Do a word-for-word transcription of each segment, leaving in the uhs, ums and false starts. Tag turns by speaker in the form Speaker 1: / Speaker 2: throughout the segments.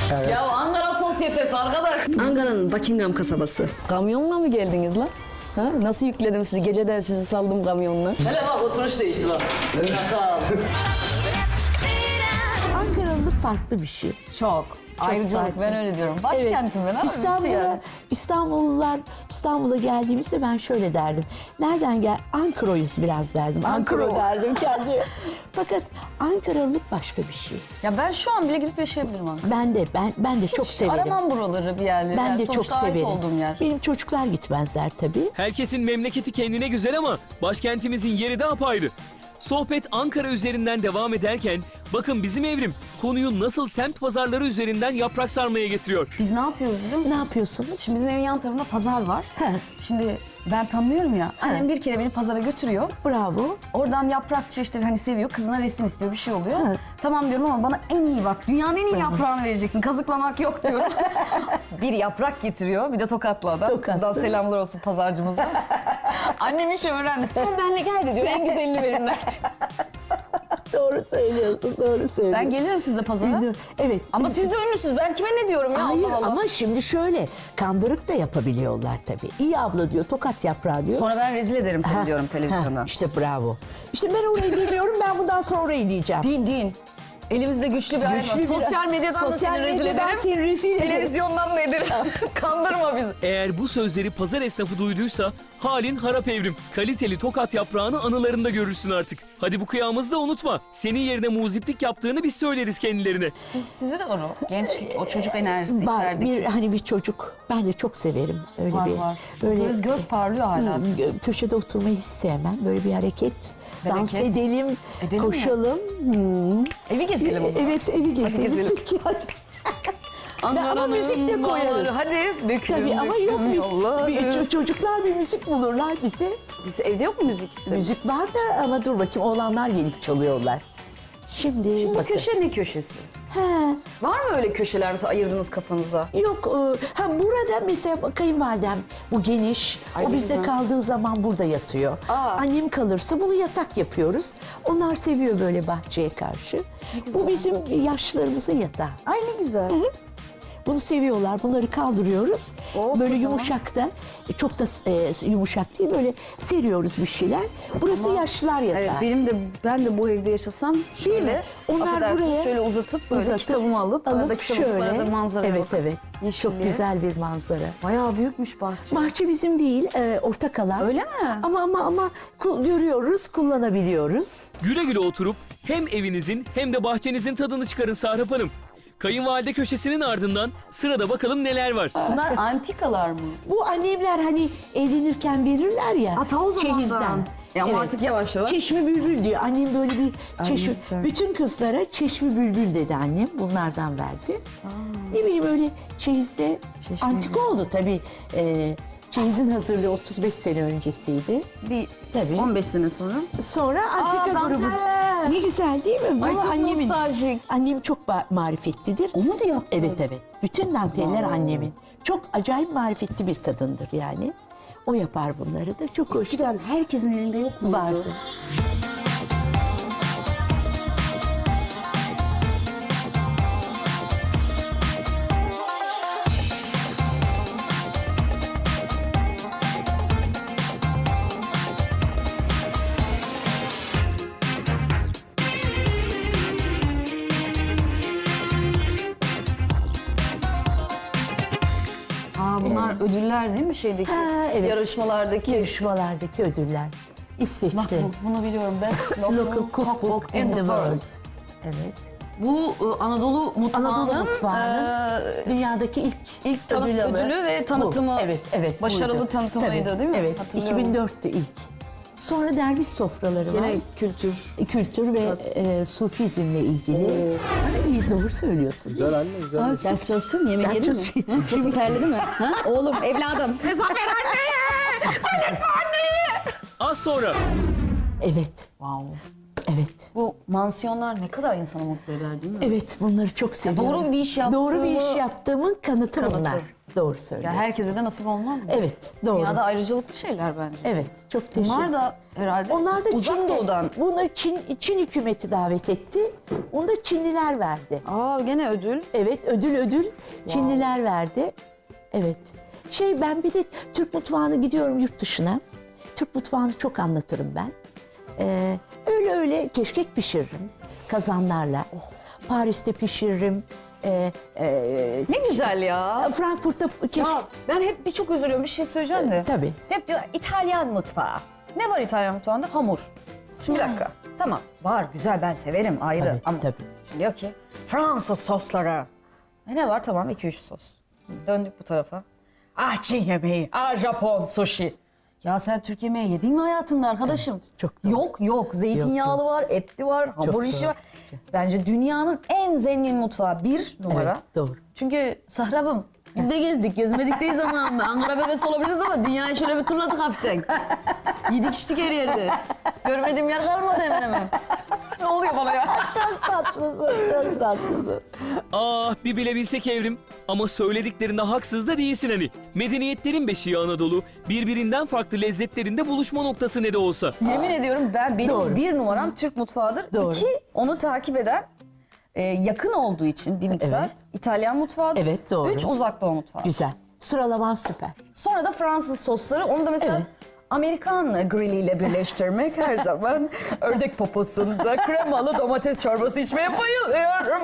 Speaker 1: Evet.
Speaker 2: Ya Ankara sosyetesi arkadaş. Ankara'nın Buckingham kasabası. Kamyonla mı geldiniz lan? Ha? Nasıl yükledim sizi? Geceden sizi saldım kamyonla. Hele bak oturuş değişti bak. Şaka.
Speaker 1: Ankaralılık farklı bir şey.
Speaker 2: Çok. Ayrıcalık
Speaker 1: farklı.
Speaker 2: ben öyle diyorum. Başkentim ben ama bitti
Speaker 1: İstanbul'a,
Speaker 2: yani.
Speaker 1: İstanbullular İstanbul'a geldiğimizde ben şöyle derdim. Nereden gel? Ankara'yız biraz derdim. Ankara
Speaker 2: Ankara.
Speaker 1: derdim kendime. Fakat Ankaralılık başka bir şey.
Speaker 2: Ya ben şu an bile gidip yaşayabilirim Ankara.
Speaker 1: Ben de ben ben de çok severim.
Speaker 2: Aramam buraları bir yerleri.
Speaker 1: Ben
Speaker 2: Yani
Speaker 1: de çok
Speaker 2: sonuçta ait
Speaker 1: severim.
Speaker 2: olduğum yer.
Speaker 1: Benim çocuklar gitmezler tabii.
Speaker 3: Herkesin memleketi kendine güzel ama başkentimizin yeri de apayrı. Sohbet Ankara üzerinden devam ederken bakın bizim Evrim konuyu nasıl semt pazarları üzerinden yaprak sarmaya getiriyor.
Speaker 2: Biz ne yapıyoruz biliyor musunuz?
Speaker 1: Ne yapıyorsunuz?
Speaker 2: Şimdi bizim evin yan tarafında pazar var.
Speaker 1: He.
Speaker 2: Şimdi ben tanımıyorum ya. Annem bir kere beni pazara götürüyor.
Speaker 1: Bravo.
Speaker 2: Oradan yaprakçı işte hani seviyor. Kızına resim istiyor bir şey oluyor.
Speaker 1: He.
Speaker 2: Tamam diyorum ama bana en iyi bak. Dünyanın en iyi yaprağını vereceksin. Kazıklamak yok diyorum. Bir yaprak getiriyor. Bir de tokatlı adam.
Speaker 1: Tokatlı.
Speaker 2: Buradan selamlar olsun pazarcımıza. Annem işi öğrendi. Sen benle gel diyor. En güzelini verirler.
Speaker 1: Doğru söylüyorsun, doğru söylüyorsun.
Speaker 2: Ben gelirim sizle pazara.
Speaker 1: Evet.
Speaker 2: Ama siz de ünlüsünüz. Ben kime ne diyorum ya?
Speaker 1: Hayır
Speaker 2: Allah Allah.
Speaker 1: ama şimdi şöyle kandırık da yapabiliyorlar tabii. İyi abla diyor, tokat yaprağı diyor.
Speaker 2: Sonra ben rezil ederim seni
Speaker 1: Ha,
Speaker 2: diyorum televizyona.
Speaker 1: ha, İşte bravo. İşte ben orayı demiyorum, ben bundan sonra orayı diyeceğim.
Speaker 2: Din din. Elimizde güçlü bir alet var.
Speaker 1: Güçlü bir-
Speaker 2: Sosyal medyadan da
Speaker 1: Sosyal
Speaker 2: seni rezil
Speaker 1: medyadan
Speaker 2: ederim.
Speaker 1: seni rezil ederim.
Speaker 2: Televizyondan da ederim. Kandırma bizi.
Speaker 3: Eğer bu sözleri pazar esnafı duyduysa halin harap Evrim. Kaliteli tokat yaprağını anılarında görürsün artık. Hadi bu kıyamızı da unutma. Senin yerine muziplik yaptığını biz söyleriz kendilerine.
Speaker 2: Biz, sizde de var o. Gençlik, o çocuk enerjisi
Speaker 1: Var
Speaker 2: içerideki.
Speaker 1: bir hani bir çocuk. Ben de çok severim öyle
Speaker 2: Var
Speaker 1: bir.
Speaker 2: var.
Speaker 1: Böyle
Speaker 2: Göz göz parlıyor hala.
Speaker 1: Hı, gö- köşede oturmayı hiç sevmem. Böyle bir hareket. Dans
Speaker 2: Bereket.
Speaker 1: edelim,
Speaker 2: Edelim mi?
Speaker 1: koşalım. Hı.
Speaker 2: Evi gezelim o zaman.
Speaker 1: Evet, evi gezelim.
Speaker 2: gezelim.
Speaker 1: Peki, hadi. Ama müzik de koyarız.
Speaker 2: Hadi dökülüm,
Speaker 1: Tabii ama
Speaker 2: dökülüm
Speaker 1: yok biz.
Speaker 2: yolları.
Speaker 1: Bir, ço- çocuklar bir müzik bulurlar bize.
Speaker 2: Biz evde yok mu müzik?
Speaker 1: Müzik var da ama dur bakayım oğlanlar gelip çalıyorlar. Şimdi,
Speaker 2: Şimdi bu
Speaker 1: bakın.
Speaker 2: köşe ne köşesi?
Speaker 1: He,
Speaker 2: Var mı öyle köşeler mesela ayırdınız kafanıza?
Speaker 1: yok e, ha burada mesela kayınvalidem bu geniş.
Speaker 2: Ay,
Speaker 1: o
Speaker 2: ne
Speaker 1: bizde
Speaker 2: güzel.
Speaker 1: kaldığı zaman burada yatıyor.
Speaker 2: Aa.
Speaker 1: Annem kalırsa bunu yatak yapıyoruz. Onlar seviyor böyle bahçeye karşı. Bu bizim yaşlılarımızın yatağı.
Speaker 2: Ay ne güzel.
Speaker 1: Bunu seviyorlar. Bunları kaldırıyoruz.
Speaker 2: Oh,
Speaker 1: böyle
Speaker 2: kocaman.
Speaker 1: yumuşak da e, çok da e, yumuşak değil böyle seriyoruz bir şeyler. Burası yaşlılar yatağı.
Speaker 2: Evet benim de ben de bu evde yaşasam şöyle
Speaker 1: Onlar
Speaker 2: affedersiniz,
Speaker 1: buraya
Speaker 2: şöyle uzatıp böyle
Speaker 1: uzatıp,
Speaker 2: kitabımı alıp, arada
Speaker 1: alıp
Speaker 2: kitabı şöyle, arada manzaraya
Speaker 1: evet
Speaker 2: bakıp.
Speaker 1: evet.
Speaker 2: Yeşilliğe.
Speaker 1: Çok güzel bir manzara.
Speaker 2: Bayağı büyükmüş bahçe.
Speaker 1: Bahçe bizim değil, e, ortak alan.
Speaker 2: Öyle mi?
Speaker 1: Ama ama ama ku- görüyoruz, kullanabiliyoruz.
Speaker 3: Güle güle oturup hem evinizin hem de bahçenizin tadını çıkarın Sahrap Hanım. Kayınvalide köşesinin ardından sırada bakalım neler var.
Speaker 2: Bunlar antikalar mı?
Speaker 1: Bu annemler hani evlenirken verirler ya.
Speaker 2: Ha, ta o zamandan.
Speaker 1: çeyizden.
Speaker 2: E ama artık yavaş yavaş.
Speaker 1: Çeşmi bülbül diyor. Annem böyle bir çeşmi.
Speaker 2: güzel.
Speaker 1: Bütün kızlara çeşmi bülbül dedi annem. Bunlardan verdi. Ne bileyim öyle çeyizde
Speaker 2: Çeşmi
Speaker 1: antika oldu tabii. Ee, çeyizin hazırlığı otuz beş sene öncesiydi.
Speaker 2: Bir
Speaker 1: Tabii.
Speaker 2: on beş sene sonra.
Speaker 1: Sonra antika
Speaker 2: Aa,
Speaker 1: grubu.
Speaker 2: danteller.
Speaker 1: Ne güzel değil mi? Bu
Speaker 2: Ay, çok
Speaker 1: annemin.
Speaker 2: nostaljik.
Speaker 1: Annem çok ba- marifetlidir.
Speaker 2: O mu da yaptı?
Speaker 1: Evet evet. Bütün danteller annemin. Çok acayip marifetli bir kadındır yani. O yapar bunları da. Çok hoş.
Speaker 2: Eskiden herkesin elinde yok mu?
Speaker 1: Vardı.
Speaker 2: Aa bunlar ödüller değil mi şeydeki?
Speaker 1: Ha, evet.
Speaker 2: Yarışmalardaki.
Speaker 1: Yarışmalardaki ödüller.
Speaker 2: Bak
Speaker 1: İsveç'te.
Speaker 2: bu, bunu biliyorum ben.
Speaker 1: Local Cookbook in the World. Evet.
Speaker 2: Bu e, Anadolu mutfağının,
Speaker 1: Anadolu mutfağının
Speaker 2: e,
Speaker 1: Dünyadaki ilk,
Speaker 2: ilk tanıt
Speaker 1: ödül alı
Speaker 2: ödülü ve tanıtımı.
Speaker 1: bu. Evet, evet.
Speaker 2: Başarılı
Speaker 1: buydu.
Speaker 2: tanıtımıydı
Speaker 1: Tabii,
Speaker 2: değil mi?
Speaker 1: Evet,
Speaker 2: Hatırlıyorum.
Speaker 1: iki bin dörttü ilk. Sonra derviş sofraları var.
Speaker 2: Gene kültür.
Speaker 1: Kültür ve e, sufizmle ilgili. Ay, iyi, doğru söylüyorsun.
Speaker 4: Güzel anne, güzel.
Speaker 1: Ay,
Speaker 2: Ders çalıştın mı? Yemek
Speaker 1: Ders
Speaker 2: yedin mi?
Speaker 1: çalışıyorum.
Speaker 2: Sırtın terledi mi? Ha? Oğlum, evladım. Hesap ver anneye! Halletme anneyi!
Speaker 3: Az sonra
Speaker 1: Evet.
Speaker 2: Wow.
Speaker 1: Evet.
Speaker 2: Bu mansiyonlar ne kadar insanı mutlu eder değil mi?
Speaker 1: Evet, bunları çok seviyorum.
Speaker 2: doğru bir iş
Speaker 1: Doğru bir iş
Speaker 2: yaptığımı-
Speaker 1: yaptığımın kanıtı,
Speaker 2: Kanıtı.
Speaker 1: bunlar. Doğru
Speaker 2: Ya
Speaker 1: söylüyorsun.
Speaker 2: herkese de nasip olmaz mı?
Speaker 1: Evet, doğru.
Speaker 2: Dünyada ayrıcalıklı şeyler bence.
Speaker 1: Evet, çok teşekkür
Speaker 2: Bunlar da herhalde
Speaker 1: Onlar da
Speaker 2: uzak
Speaker 1: Çin'de.
Speaker 2: doğudan.
Speaker 1: Bunu Çin, Çin hükümeti davet etti. Onu da Çinliler verdi.
Speaker 2: Aa gene ödül.
Speaker 1: Evet, ödül ödül Çinliler verdi. Evet. Şey, ben bir de Türk mutfağını gidiyorum yurt dışına. Türk mutfağını çok anlatırım ben. Ee, öyle öyle keşkek pişiririm kazanlarla. Paris'te pişiririm. Ee, e,
Speaker 2: Ne güzel ya.
Speaker 1: Frankfurt'ta keşkek.
Speaker 2: Ya ben hep birçok üzülüyorum. Bir şey söyleyeceğim de.
Speaker 1: Tabii.
Speaker 2: Hep diyor İtalyan mutfağı. Ne var İtalyan mutfağında? Hamur. Şimdi bir
Speaker 1: Ya.
Speaker 2: dakika. Tamam. Var güzel ben severim ayrı.
Speaker 1: Tabii,
Speaker 2: Ama
Speaker 1: tabii.
Speaker 2: şimdi diyor ki Fransız sosları. E ne var? Tamam iki üç sos. Döndük bu tarafa. Ah Çin yemeği. Ah Japon sushi. Ya sen Türk yemeği yedin mi hayatında arkadaşım?
Speaker 1: çok doğru.
Speaker 2: Yok yok. Zeytinyağlı
Speaker 1: Yok,
Speaker 2: var, etli var, hamur
Speaker 1: Çok
Speaker 2: işi
Speaker 1: doğru.
Speaker 2: var. Bence dünyanın en zengin mutfağı bir numara.
Speaker 1: Evet, doğru.
Speaker 2: Çünkü Sahrab'ım biz de gezdik, gezmedik değil zamanında. Ankara bebesi olabiliriz ama dünyayı şöyle bir turladık hafiften. Yedik içtik her yerde. Görmediğim yer kalmadı hemen hemen. Ne oluyor bana ya?
Speaker 1: Çok tatlısın, çok tatlısın.
Speaker 3: Ah bir bilebilsek Evrim. Ama söylediklerinde haksız da değilsin hani. Medeniyetlerin beşiği Anadolu, birbirinden farklı lezzetlerinde buluşma noktası ne de olsa.
Speaker 2: Yemin ediyorum ben benim
Speaker 1: Doğru.
Speaker 2: bir numaram Türk mutfağıdır.
Speaker 1: Doğru.
Speaker 2: İki onu takip eden e, yakın olduğu için bir miktar
Speaker 1: Evet.
Speaker 2: İtalyan mutfağıdır.
Speaker 1: Evet, doğru.
Speaker 2: Üç uzak doğu mutfağı.
Speaker 1: Güzel. Sıralaman süper.
Speaker 2: Sonra da Fransız sosları. Onu da mesela
Speaker 1: Evet.
Speaker 2: Amerikan grilliyle birleştirmek her zaman ördek poposunda kremalı domates çorbası içmeye bayılıyorum.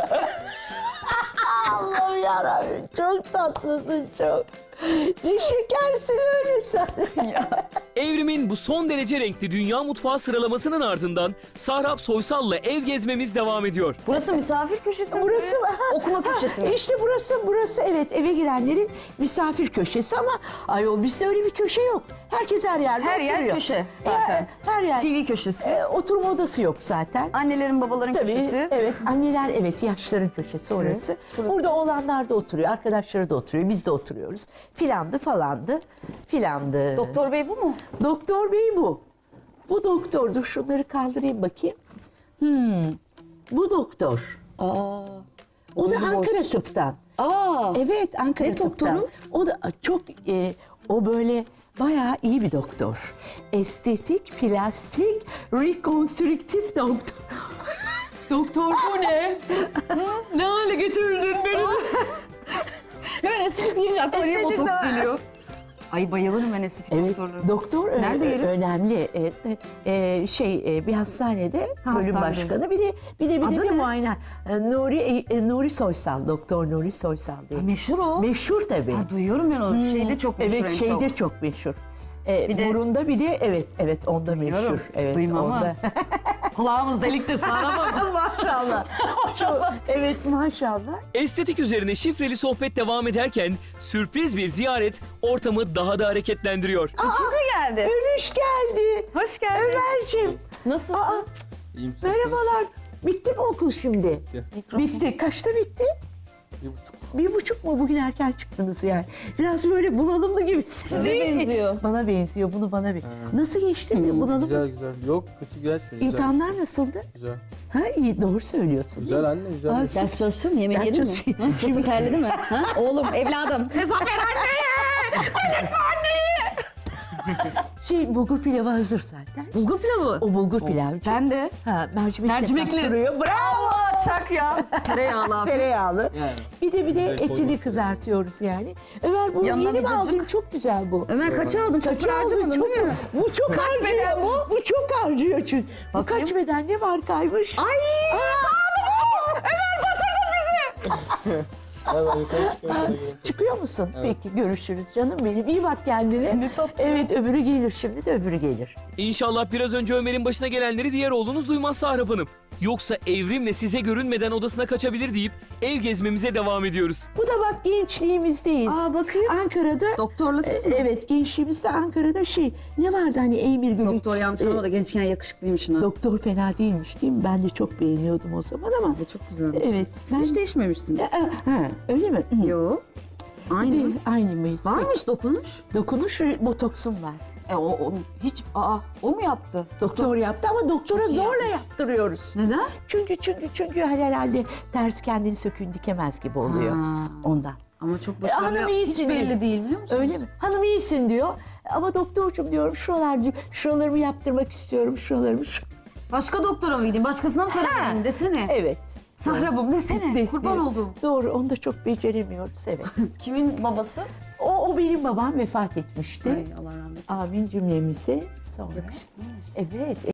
Speaker 1: Allah'ım yarabbim, çok tatlısın çok. Ne şekersin öyle sen.
Speaker 3: Evrim'in bu son derece renkli dünya mutfağı sıralamasının ardından Sahrap Soysal'la ev gezmemiz devam ediyor.
Speaker 2: Burası misafir köşesi mi?
Speaker 1: Burası ha,
Speaker 2: Okuma
Speaker 1: ha,
Speaker 2: köşesi mi?
Speaker 1: İşte burası, burası evet eve girenlerin misafir köşesi ama ayol bizde öyle bir köşe yok. Herkes her yerde
Speaker 2: Her yer
Speaker 1: oturuyor.
Speaker 2: köşe zaten.
Speaker 1: Her, her yer.
Speaker 2: T V köşesi.
Speaker 1: E, oturma odası yok zaten.
Speaker 2: Annelerin babaların
Speaker 1: Tabii,
Speaker 2: köşesi.
Speaker 1: evet. Anneler evet yaşların köşesi orası.
Speaker 2: burası.
Speaker 1: Burada oğlanlar da oturuyor, arkadaşları da oturuyor, biz de oturuyoruz. Filandı falandı, filandı.
Speaker 2: Doktor bey bu mu?
Speaker 1: Doktor bey bu. Bu doktordur. Şunları kaldırayım bakayım. Hmm. Bu doktor.
Speaker 2: Aa.
Speaker 1: O da
Speaker 2: Boylu
Speaker 1: Ankara
Speaker 2: boysuz.
Speaker 1: Tıp'tan.
Speaker 2: Aa.
Speaker 1: Evet, Ankara
Speaker 2: Ne
Speaker 1: Tıp'tan.
Speaker 2: doktoru?
Speaker 1: O da çok, e, o böyle bayağı iyi bir doktor. Estetik, plastik, rekonstrüktif doktor.
Speaker 2: Doktor bu ne? ne hale getirdin beni? Hemen estetik deyince aklıma niye
Speaker 1: Estetik
Speaker 2: botoks
Speaker 1: de-
Speaker 2: geliyor. Ay bayılırım ben estetik
Speaker 1: Evet,
Speaker 2: doktorluğuna.
Speaker 1: doktor ö-
Speaker 2: Nerede yeri?
Speaker 1: önemli. E, e, e, şey e, bir hastanede
Speaker 2: Ha,
Speaker 1: bölüm
Speaker 2: hastanede.
Speaker 1: başkanı bir de bir de bir
Speaker 2: Adı
Speaker 1: de bir
Speaker 2: ne?
Speaker 1: muayene. E, Nuri e, Nuri Soysal, doktor Nuri Soysal diye.
Speaker 2: Meşhur o.
Speaker 1: Meşhur tabii.
Speaker 2: Ha, duyuyorum ben o şeyde çok meşhur.
Speaker 1: Evet
Speaker 2: en
Speaker 1: şeyde
Speaker 2: çok.
Speaker 1: çok meşhur. E,
Speaker 2: Bir de-
Speaker 1: burunda bir de evet evet onda
Speaker 2: Duyuyorum.
Speaker 1: meşhur. Evet,
Speaker 2: Duymam ama.
Speaker 1: onda.
Speaker 2: Kulağımız deliktir sağlamam.
Speaker 1: Maşallah. Çok, evet maşallah.
Speaker 3: Estetik üzerine şifreli sohbet devam ederken sürpriz bir ziyaret ortamı daha da hareketlendiriyor.
Speaker 2: Kız mı geldi?
Speaker 1: Övüş geldi.
Speaker 2: Hoş geldin.
Speaker 1: Ömerciğim.
Speaker 2: Nasılsın?
Speaker 1: Aa,
Speaker 4: İyiyim, siz
Speaker 1: merhabalar. Bitti mi okul şimdi?
Speaker 4: Bitti.
Speaker 1: Bitti. Kaçta bitti?
Speaker 4: Bir buçuk.
Speaker 1: Bir buçuk mu? Bugün erken çıktınız yani. Biraz böyle bunalımlı gibisiniz.
Speaker 2: Size
Speaker 1: değil mi?
Speaker 2: benziyor.
Speaker 1: Bana benziyor. Bunu bana benziyor. Nasıl geçti mi? Bunalım mı?
Speaker 4: Güzel güzel. Yok kötü geçmiyor. Güzel.
Speaker 1: İmtihanlar nasıldı?
Speaker 4: Güzel.
Speaker 1: Ha iyi doğru söylüyorsun.
Speaker 4: Güzel anne güzel.
Speaker 1: Aa,
Speaker 4: geçti.
Speaker 2: Ders çalıştın mı? Yemek
Speaker 1: Ders
Speaker 2: yedin mi?
Speaker 1: çalışıyorum.
Speaker 2: Ha, Sırtın terledi mi? Ha? Oğlum, evladım. Hesap ver anneye! Delirtme anneyi!
Speaker 1: Şey bulgur pilavı hazır zaten.
Speaker 2: Bulgur pilavı.
Speaker 1: O bulgur pilavı.
Speaker 2: Ben de.
Speaker 1: Ha mercimekle
Speaker 2: Mercimekli.
Speaker 1: kaptırıyor. Bravo.
Speaker 2: Allah çak ya. Tereyağlı abi.
Speaker 1: Tereyağlı.
Speaker 4: Yani.
Speaker 1: Bir de bir de
Speaker 4: Direkt
Speaker 1: etini
Speaker 4: koymuş.
Speaker 1: kızartıyoruz yani. Ömer bunu
Speaker 2: Yanına
Speaker 1: yeni
Speaker 2: bir
Speaker 1: mi aldın?
Speaker 2: cacık.
Speaker 1: Çok güzel bu.
Speaker 2: Ömer kaça aldın? Çok
Speaker 1: Kaça
Speaker 2: para
Speaker 1: aldın?
Speaker 2: harcamadın
Speaker 1: Çok-
Speaker 2: değil mi?
Speaker 1: Bu çok harcıyor.
Speaker 2: beden bu?
Speaker 1: Bu çok harcıyor çünkü. Bu
Speaker 2: Bakayım.
Speaker 1: kaç beden ne markaymış?
Speaker 2: Ay!
Speaker 4: Hemen yukarı çıkıyor. sonra gelin.
Speaker 1: Çıkıyor musun? Peki görüşürüz canım benim. İyi bak kendine.
Speaker 2: Ne tatlı.
Speaker 1: Evet öbürü gelir şimdi de öbürü gelir.
Speaker 3: İnşallah biraz önce Ömer'in başına gelenleri diğer oğlunuz duymaz Sahrap Hanım. Yoksa Evrim'le size görünmeden odasına kaçabilir deyip ev gezmemize devam ediyoruz.
Speaker 1: Bu da bak gençliğimizdeyiz.
Speaker 2: Aa, bakayım.
Speaker 1: Ankara'da.
Speaker 2: Doktorlu siz
Speaker 1: e,
Speaker 2: mi?
Speaker 1: Evet gençliğimizde Ankara'da şey ne vardı hani Eymir Gölü.
Speaker 2: Doktor yanlış anlamadı. Gençken yakışıklıymış ha.
Speaker 1: Doktor fena değilmiş değil mi? Ben de çok beğeniyordum o zaman ama.
Speaker 2: Siz de çok güzelmiş.
Speaker 1: Evet.
Speaker 2: Siz hiç değişmemişsiniz.
Speaker 1: Ha, ha, öyle mi? Hı.
Speaker 2: Yo. Aynı.
Speaker 1: Bir, aynı mıyız?
Speaker 2: Var mı hiç dokunuş?
Speaker 1: Dokunuş botoksum var.
Speaker 2: E o, o hiç aa o mu yaptı?
Speaker 1: Doktor yaptı ama doktora
Speaker 2: Çok iyi
Speaker 1: zorla
Speaker 2: yapmış.
Speaker 1: yaptırıyoruz.
Speaker 2: Neden?
Speaker 1: Çünkü çünkü çünkü herhalde tersi kendini söküğün dikemez gibi oluyor
Speaker 2: Ha.
Speaker 1: ondan.
Speaker 2: Ama çok
Speaker 1: E,
Speaker 2: başarılı.
Speaker 1: hanım
Speaker 2: Hiç
Speaker 1: iyisin
Speaker 2: belli
Speaker 1: diyor.
Speaker 2: değil biliyor musunuz?
Speaker 1: Öyle mi? Hanım iyisin diyor. Ama doktorcum diyorum şuralar diyor. Şuralarımı yaptırmak istiyorum. Şuralarımı. Şu...
Speaker 2: Başka doktora mı gideyim? Başkasına mı karar vereyim desene.
Speaker 1: Evet.
Speaker 2: Sahrabım desene.
Speaker 1: De-
Speaker 2: Kurban
Speaker 1: evet.
Speaker 2: olduğum.
Speaker 1: Doğru. Onu da çok beceremiyoruz. Evet.
Speaker 2: Kimin babası?
Speaker 1: o, o benim babam vefat etmişti.
Speaker 2: Ay Allah rahmet eylesin.
Speaker 1: Amin cümlemizi. Sonra.
Speaker 2: Yakışıklıymış.
Speaker 1: Evet.